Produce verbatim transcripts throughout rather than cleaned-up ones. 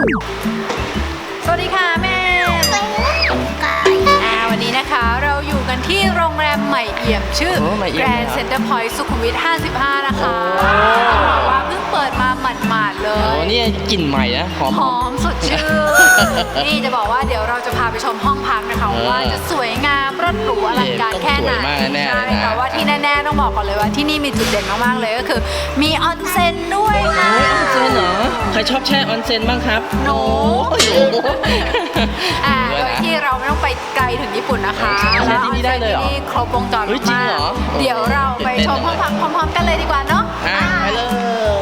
สวัสดีค่ะแม่อ่าวันนี้นะคะเราอยู่กันที่โรงแรมใหม่เอี่ยมชื่อ Grand Center Point สุขุมวิทห้าสิบห้านะคะบอกว่าเพิ่งเปิดมาหมาดๆเลโอ้ยนี่กลิ่นใหม่นะหอมหอมสดชื่น นี่จะบอกว่าเดี๋ยวเราจะพาไปชมห้องพักนะคะว่าจะสวยงามรถหรูอลังการแค่ไหนใช่แต่ว่าที่แน่ๆต้องบอกก่อนเลยว่าที่นี่มีจุดเด่นมากๆเลยก็คือมีออนเซ็นด้วยค่ะออนเซ็นเหรอใครชอบแช่ออนเซ็นบ้างครับหนูหนูอ่าโดยที่เราไม่ต้องไปไกลถึงญี่ปุ่นนะคะใช่ที่นี่ได้เลยเหรอที่นี่ครบวงจรเฮ้ยจริงมากเหรอเดี๋ยวเราไปชมห้องพักพร้อมๆกันเลยดีกว่าเนาะอ่ะไปเลย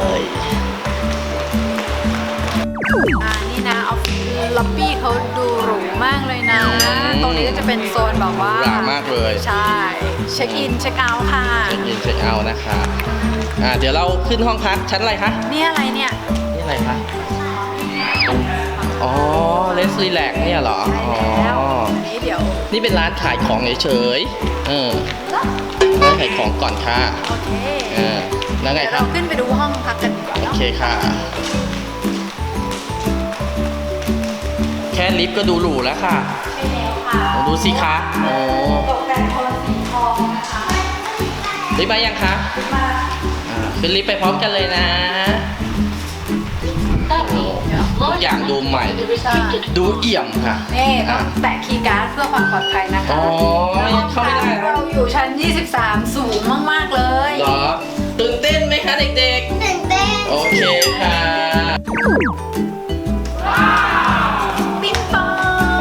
อ่านี่นะออฟฟิศล็อบบี้เขาดูหรูมากเลยนะ ตรงนี้ก็จะเป็นโซนแบบว่าหรามากเลยใช่เช็คอินเช็คเอาท์ค่ะเช็คอินเช็คเอาท์นะคะอ่ะเดี๋ยวเราขึ้นห้องพักชั้นอะไรคะนี่อะไรเนี่ยนี่อะไรคะอ๋อเลสรีแลกเนี่ยเหรออ๋อแล้วนี่เดี๋ยวนี่เป็นร้านขายของเฉยๆเออร้านขายของก่อนค่ะโอเคเออแล้วไงเดี๋ยวครัเราบขึ้นไปดูห้องพักกันดีกว่าโอเนาะเคค่ะ แค่ลิฟต์ก็ดูหรูแล้วค่ะใช่แล้วค่ะดูสิคะโอ้ตกแต่งโทนสีทองนะคะลิฟต์มายังคะมาอ่าขึ้นลิฟต์ไปพร้อมกันเลยนะทุกอย่างดูใหม่ ดูเอี่ยมค่ะนี่ต้องแตะคีย์การ์ดเพื่อความปลอดภัยนะคะอ๋อเข้าไม่ได้เราอยู่ชั้น ยี่สิบสาม สูงมากๆเลยเหรอตื่นเต้นไหมคะเด็กตื่นเต้นๆ โอเคค่ะปิ๊งปอง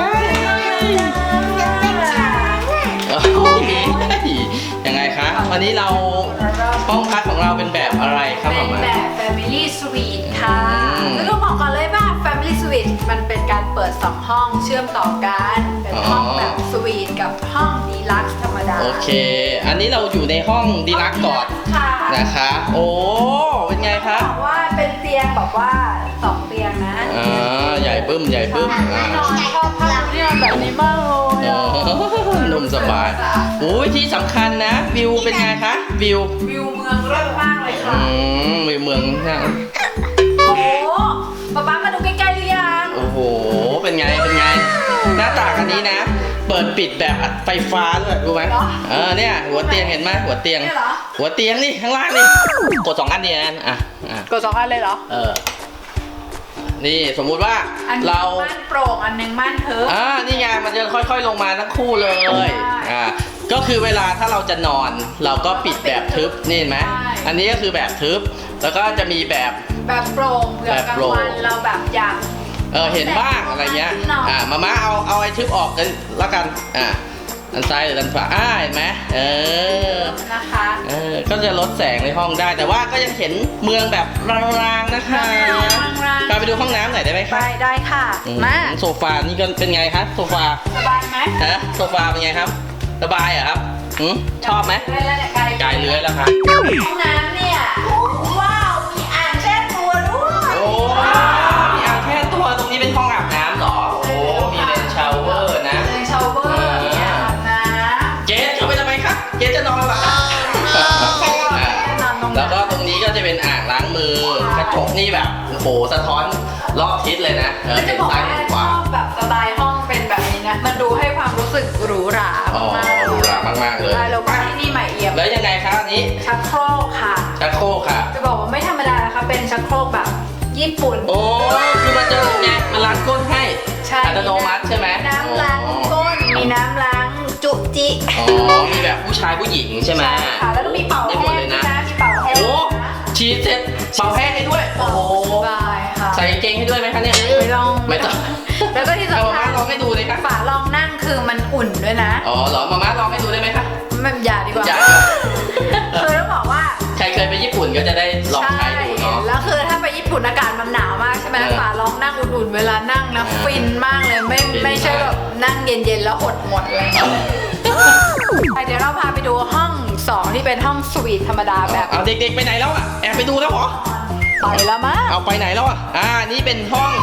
โอ้ยยังไงคะ วันนี้เราห้องพักของเราเป็นแบบอะไรครับเป็หมอน มาแบบ Family Suite ค่ะอืมแล้วก็บอกก่อนเลยว่า Family Suite มันเป็นการเปิดสองห้องเชื่อมต่อกัน เป็นห้องแบบสวีทกับห้องดีลักซ์ธรรมดาโอเค อันนี้เราอยู่ในห้องดีลักซ์ก่อนค่ะนะคะ โอ้เป็นไงคะบอกว่าเป็นเตียงแบบว่าสองเตียงนะอ่าใหญ่บึ้มใหญ่บึ้มอ่านอนชอบผ้าที่นอนแบบนี้มากเลยอ๋ออะนุ่มสบายโอ้ยที่สำคัญนะ วิวเป็นไงคะวิววิวเมืองเลิศมากเลยค่ะอืมวิวเมืองนะโอ้โหป๊าป๊ามาดูใกล้ๆหรือยังโอ้โหเป็นไงเป็นไง หน้าต่างอันนี้นะ เปิดปิดแบบไฟฟ้าด้วยรู้ไหมเออเนี่ยหัวเตียงเห็นไหมหัวเตียงเนี่ยเหรอหัวเตียงนี่ข้างล่างนี่กดสองอันนี่นะอ่ะอ่ะกดสองอันเลยเหรอเออนี่สมมุติว่าอันหนึงเราม่านโปร่งอันหนึงม่านทึบอ่านี่ไงมันจะค่อยๆลงมาทั้งคู่เลยใช่อ่าก็คือเวลาถ้าเราจะนอน เราก็ปิดแบบทึบนี่เห็นไหมใช่อันนี้ก็คือแบบทึบแล้วก็จะมีแบบแบบโปร่งเผื่อกลางวันเราแบบอยากเออเห็นบ้างอะไรเงี้ยอ่ามาม่าเอาเอาไอ้ทึบออกกันแล้วกันอ่าด้านซ้ายหรือด้านขวาอ่าเห็นไหมเออนะคะเออก็จะลดแสงในห้องได้ แต่ว่าก็ยังเห็นเมืองแบบรางๆนะคะรางๆพาไปดูห้องน้ำหน่อยได้ไหมไปคะได้ค่ะอืมาโซฟานี่ก็เป็นไงครับโซฟาสบายไหมฮะโซฟาเป็นไงครับ สบายเหรอครับหืมชอบไหมได้แล้วเนี่ยไกลกายเลื้อยแล้วครับห้องน้ำเนี่ยว้าวมีอ่างแช่ตัวด้วยโอ้มีอ่างแค่ตัวตรงนี้เป็นห้องอาบน้ำเหรอโอ้มีเลนชาวเวอร์นะเลยชาวเวอร์มีอ่างอาบน้ำเกสเข้าไปทำไมครับเกสจะนอนเหรอครับอ่านอนตรงแล้นั้วน ก็ตรงนี้ก็จะเป็นอ่างล้างมือกระจกนี่แบบโอ้โหสะท้อนรอบทิศเลยนะเออแล้วจะเห็นบอกซ้ายว่าเห็นขชวาอบแบบสไตล์ห้องเป็นแบบนี้นะ มันดูให้ความรู้สึกหรูหราอ๋อมากๆหรูหรามากๆเลยใช่แล้วก็ที่นี่ใหม่เอี่ยมแล้วยังไงครับอันนี้ชักโครกค่ะชักโครกค่ะจะบอกว่าไม่ธรรมดานะคะ เป็นชักโครกแบบญี่ปุ่นโอ้คือมันจะไงมันล้างก้นให้ใช่อัตโนมัติใช่ไหมน้ำล้างก้น มีน้ำล้างจุจิอ๋อมีแบบผู้ชายผู้หญิงใช่ไหมค่ะ แล้วก็มีเป่าได้แห้หมดงเลยด้วยนะนะมีเป่าแห้งโอ้นะฉีดเสร็จเป่าแห้งให้ด้วยโอ้โหสบายค่ะใส่กางเกงให้ด้วยไหมคะเนี่ยไม่ต้องไม่ต้องแล้วก็ที่เอาสำมาคัม่าญลองให้ดูเลยครับฝารองนั่งคือมันอุ่นด้วยนะอ๋อเหรอมาม่าลองให้ดูได้ไหมคะไม่อย่าดีกว่าอยากคือต้องบอกว่าใครเคยไปญี่ปุ่นก็จะได้ลองใช้ดูเนาะแล้วคือถ้าไปญี่ปุ่นอากาศมันหนาวมากใช่ไหมเออฝาลองนั่งอุ่นๆเวลานั่งนะเออฟินมากเลยไม่ฟินไม่ใช่แบบนั่งเย็นๆแล้วอดหมดเลยไปเดี๋ยวเราพาไปดูห้องสองที่เป็นห้องสวีทธรรมดาแบบเอาเด็กๆไปไหนแล้วอ่ะแอบไปดูแล้วเหรอไปแล้วมั้งเอาไปไหนแล้วอ่ะอ่านี่เป็นห้อง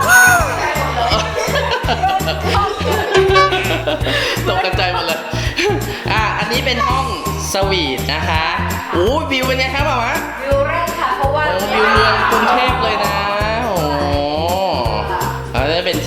ตกใจหมดเลยอ่าอันนี้เป็นห้องสวีทนะคะโอ้วิวเป็นไงครับหมอวิวแรกค่ะเพราะว่าโอ้วิวเมืองกรุงเทพเลยนะโอ้ใ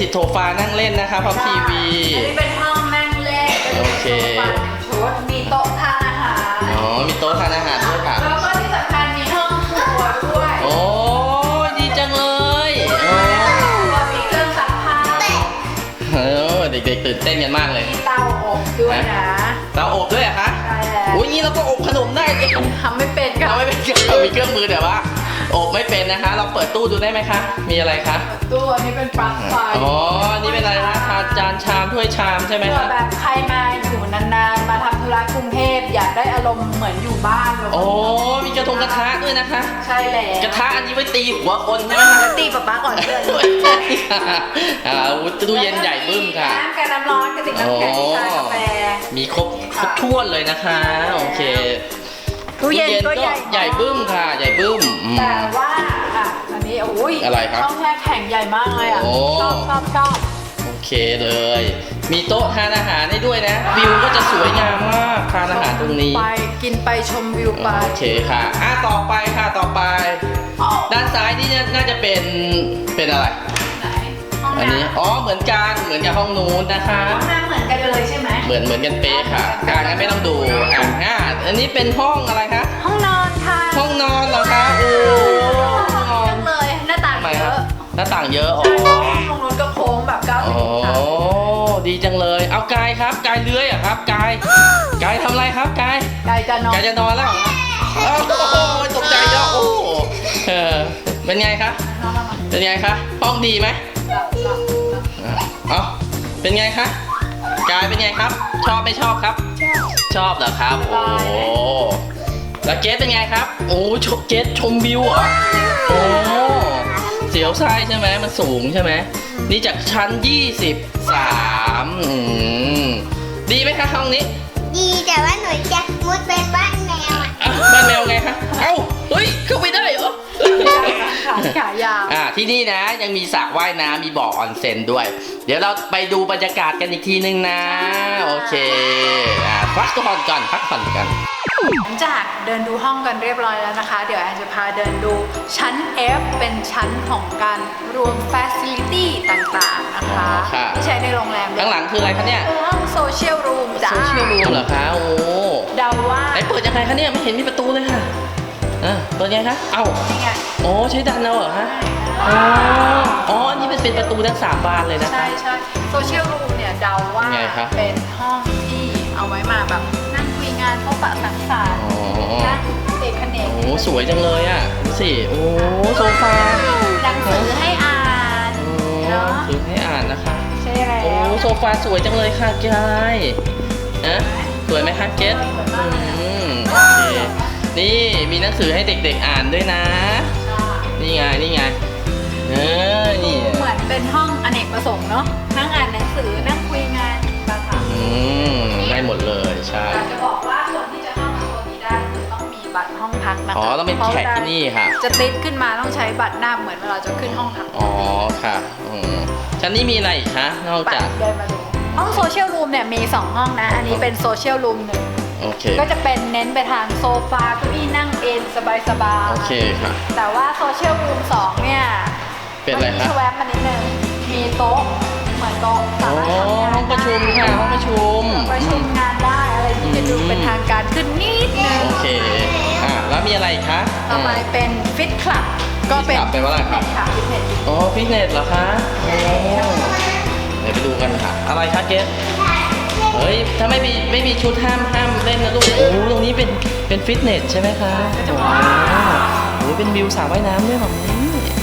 โซฟานั่งเล่นนะคะพร้อมทีวีอันนี้เป็นห้องนั่งเล่นโอเคเป็นโซฟาหนึ่งชุดมีโต๊ะทานอาหารอ๋อมีโต๊ะทานอาหารด้วยค่ะแล้วก็ที่สำคัญมีห้องครัวด้วยโอ้ดีจังเลยโอ้มีเครื่องซักผ้าเออเด็กๆตื่นเต้นกันมากเลยมีเตาอบด้วยนะเตาอบด้วยเหรอคะใช่แล้วอุ้ยงี้เราก็อบขนมได้เองทำไม่เป็นค่ะเราไม่เป็นเรามีเครื่องมือแต่ว่าอบไม่เป็นนะคะ เราเปิดตู้ดูได้ไหมคะ มีอะไรคะตู้อันนี้เป็นปลั๊กไฟอ๋อ นี่เป็นอะไรนะชามจานชามถ้วยชามใช่ไหมเผื่อคะแบบใครมาอยู่นานๆ มาทำธุระกรุงเทพอยากได้อารมณ์เหมือนอยู่บ้านแบบโอ้มีกระทงกระทะด้วยนะคะใช่แล้วกระทะอันนี้ไว้ตีหัวคนใช่ไหมคะแล้วตีป๊าป๊าก่อนเพื่อนอ่าตู้เย็นใหญ่บึ้มค่ะน้ำกับน้ำร้อนกระติกน้ำแข็งชากาแฟมีครบครบถ้วนเลยนะคะ โอเคตู้เย็นก็ใหญ่ใหญ่บึ้มค่ะ ใหญ่บึ้มอืมแต่ว่าอ่ะอันนี้โอ้ยอะไรครับช่องแช่แข็งใหญ่มากเลยอ่ะโอ้ชอบชอบชอบโอเคเลย มีโต๊ะทานอาหารให้ด้วยนะ วิวก็จะสวยงามมากทานอาหารตรงนี้ไปกินไปชมวิวไปโอเคค่ะ อ่ะต่อไปค่ะ ต่อไป ด้านซ้ายนี่น่าจะเป็น เป็นอะไรไหนห้องอันน้นี้ อ๋อ เหมือนกัน เหมือนกับห้องนู้นนะคะำห้องน้ำเหมือนกันเลยใช่ไหมเหมือนเหมือนกันเป๊ะค่ะอ่ะงั้นไม่ต้องดู อ่ะอ่ะอันนี้เป็นห้องอะไรคะห้องนอนค่ะห้องนอนเหรอคะ โอ้ห้องนอนเยอะเลยหน้าต่างทำไมเยครับอะหน้าต่างเยอะ อ๋อห้องนู้นก็โค้งแบบเก้าสิอ๋บอองศาดีจังเลย เอากายครับ กายเลื้อยเหรอะครับ กาย กายทำอะไรครับ กายไกลจะนอนกายจะนอนแล้วเหรออ้าวโอ้โหตกใจเยอะโอ้โหเออเป็นไงคะนอนนอนนอนเป็นไงคะ ห้องดีไหมหลับหลับหลับอ่ะเอ้าเป็นไงคะ กายเป็นไงครับ ชอบไม่ชอบครับ ชอบเหรอครับ โอ้โหแล้วเกสเป็นไงครับ โอ้ชมเกสชมวิวเหรอ โอ้เสียวไส้ใช่ไหมมันสูงใช่ไหมนี่จากชั้นยี่สิบสามอืมดีไหมคะห้องนี้ดีแต่ว่าหนูจะมุดไปบ้านแมวอ่ะอ่ะบ้านแมวไงคะ เอ้า เฮ้ย เข้าไปได้เหรอขาขายาวอ่าที่นี่นะยังมีสระว่ายน้ำมีบ่อออนเซ็นด้วย เดี๋ยวเราไปดูบรรยากาศกันอีกทีนึงนะ โอเค อ่าพักผ่อนก่อนพักผ่อนกันหลังจากเดินดูห้องกันเรียบร้อยแล้วนะคะ เดี๋ยวแอนจะพาเดินดูชั้น F เป็นชั้นของการรวม Facility ต่างๆนะคะอ๋อค่ะที่ใช้ในโรงแรมข้างหลังคืออะไรคะเนี่ยคือห้องโซเชียลรูมจ้าโซเชียลรูมเหรอคะ โอ้เดาว่าไหนเปิดยังไงคะเนี่ยไม่เห็นมีประตูเลยค่ะอ่าเปิดยังไงคะ เอ้านี่ไงโอ้ใช้ดันเอาเหรอคะอ๋ออ๋ออันนี้เป็นเป็นประตูทั้งสามบานเลยนะใช่ใช่โซเชียลรูมเนี่ยเดาว่าไงคะเป็นห้องที่เอาไว้มาแบบนั่งคุยงานพบปะสังสรรค์อ๋อนั่งเอกเนกโอ้สวยจังเลยอ่ะดูสิ โอ้โซฟาหนังสือให้อ่านโอ้เนาะถือให้อ่านนะคะใช่แล้วโอ้โซฟาสวยจังเลยค่ะกายนะสวยไหมคะเกสอืมโอเคนี่มีหนังสือให้เด็กๆอ่านด้วยนะ นี่ไงนี่ไงเออนี่เหมือนเป็นห้องอเนกประสงค์เนาะนั่งอ่านหนังสือนั่งคุยงานต่างอืมได้หมดเลยใช่ๆแต่จะบอกว่าคนที่จะเข้ามาตัวนี้ได้คือต้องมีบัตรห้องพักนะคะอ๋อต้องเป็นแขกที่นี่ค่ะจะติดขึ้นมาต้องใช้บัตรหน้าเหมือนเวลาจะขึ้นห้องพักอ๋อค่ะอืมชั้นนี้มีอะไรอีกคะนอกบัตจากรเดินมาดูห้องโซเชียลรูมเนี่ยมีสองห้องนะ อันนี้เป็นโซเชียลรูมหนึ่งโอเคก็จะเป็นเน้นไปทางโซฟาเก้าอี้นั่งเอนสบายๆโอเคค่ะแต่ว่าโซเชียลรูมสองเนี่ยเป็นอะไรมีคะชแวบมานิดนึงมีโต๊ะเหมือนโต๊ะสาอ๋อมารถทำงานห้องประชุมค่ะห้องประชุมประชุมงานได้อะไรที่จะดูเป็นทางการขึ้นนิดนึงโอเคอ่ะแล้วมีอะไรอีกคะต่อไปเป็นฟิตคลับก็เป็น Fit Club แปลว่าอะไรครับค่ะฟิตเนสอ๋อฟิตเนสเหรอคะโอ้เดี๋ยวไปดูกันค่ะ อะไรคะเกสเฮ้ย ถ้าไม่มีไม่มีชุดห้ามห้ามเล่นนะลูก โอ้โหตรงนี้เป็นเป็นฟิตเนสใช่ไหมคะว้าวโอ้ยเป็นวิวสระว่ายน้ำด้วยแบบนี้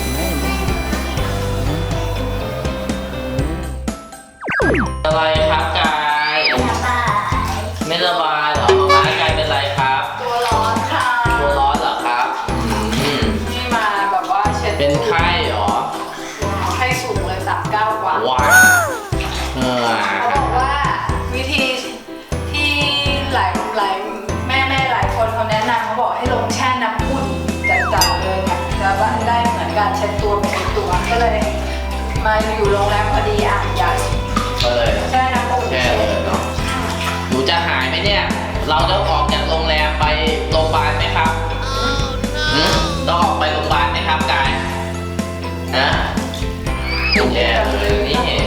อะไรครับกายไม่สบายเหรอมากายเป็นไรครับตัวร้อนค่ะตัวร้อนเหรอครับอืมนี่มาแบบว่าเช็ดเป็นไข้เหรอไข้สูงเลยสามเก้ากว่าว้าวเออเขาบอกว่าวิธีที่หลายหลายแม่แม่หลายคนเขาแนะนำเขาบอกให้ลงแช่น้ำอุ่นจัดๆเลยเนี่ยจะได้เหมือนการเช็ดตัวเป็นตัวก็เลย มาอยู่โรงแรมพอดีอ่ะอยากก็เลยแช่น้ำอุ่นแค่เลยเนาะหนูจะหายไหมเนี่ย เราต้องออกจากโรงแรมไปโรงพยาบาลไหมครับหืมต้องออกไปโรงพยาบาลไหมครับกายฮะแย่เลยนี่